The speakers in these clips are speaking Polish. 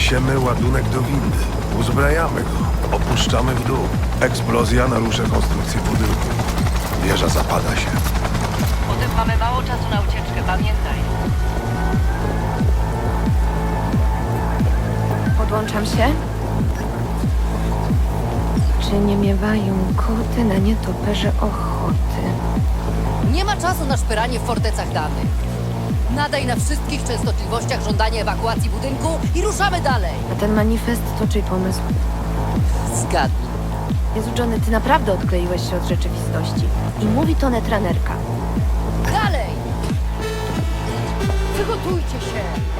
Niesiemy ładunek do windy. Uzbrajamy go. Opuszczamy w dół. Eksplozja narusza konstrukcję budynku. Wieża zapada się. Potem mamy mało czasu na ucieczkę, pamiętaj. Podłączam się. Czy nie miewają koty na nietoperze ochoty? Nie ma czasu na szperanie w fortecach danych. Nadaj na wszystkich częstotliwościach żądanie ewakuacji budynku i ruszamy dalej. A ten manifest to czyj pomysł? Zgadnij. Jezu, Johnny, ty naprawdę odkleiłeś się od rzeczywistości. I mówi to netranerka. Dalej! Przygotujcie się!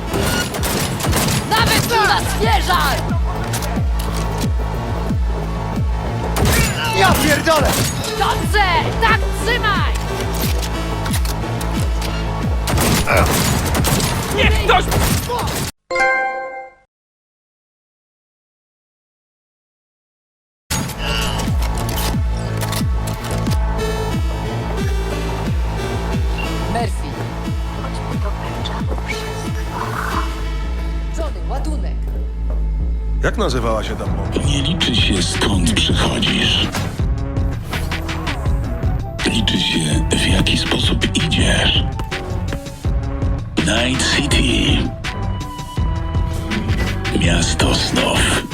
Nawet tu na zwierzak! Ja pierdolę! Dobrze! Tak trzymaj! Niech ktoś... Murphy, Chodźmy do Benja, bo przestrwa. Johnny, ładunek. Jak nazywała się tam bomba? Nie liczy się skąd przychodzisz. Liczy się w jaki sposób idziesz. Night City. Miasto snów.